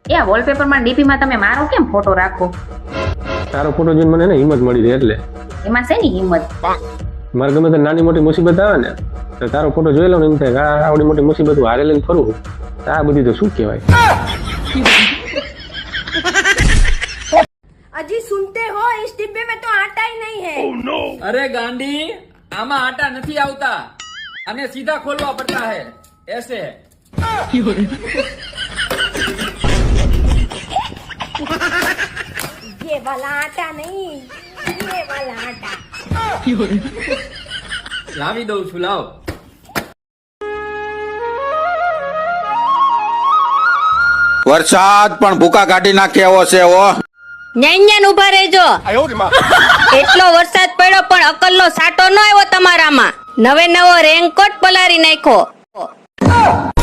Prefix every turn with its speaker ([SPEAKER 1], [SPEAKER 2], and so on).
[SPEAKER 1] એ wallpaper માં DP માં તમે મારો કેમ ફોટો રાખો?
[SPEAKER 2] તારો ફોટો જોઈને મને હિંમત મળી રહે એટલે.
[SPEAKER 1] એમાં શેની હિંમત?
[SPEAKER 2] મારે ગમે તે નાની મોટી મુસીબત આવે ને તો તારો ફોટો જોઈ લો ને એમ થાય કે આ આવડી મોટી મુસીબત હારે લઈને ફરું. આ બધી તો શું કહેવાય?
[SPEAKER 3] अजी सुनते हो इस डिब्बे में तो आटा ही नहीं है।
[SPEAKER 4] oh, no.
[SPEAKER 5] अरे गांडी आमा आटा नहीं आवता, हमें सीधा खोलवा पड़ता है ऐसे।
[SPEAKER 3] ये वाला आटा नहीं, ये वाला आटा।
[SPEAKER 5] लावी दઉં છું, લાવ।
[SPEAKER 6] વરસાદ પણ ભૂકા કાઢી નાખે એવો છે હો।
[SPEAKER 7] ન્યાન ઉભા રહેજો। એટલો વરસાદ પડ્યો પણ અકલનો સાટો ન આવ્યો તમારામાં। નવે નવો રેનકોટ પલારી નાખ્યો।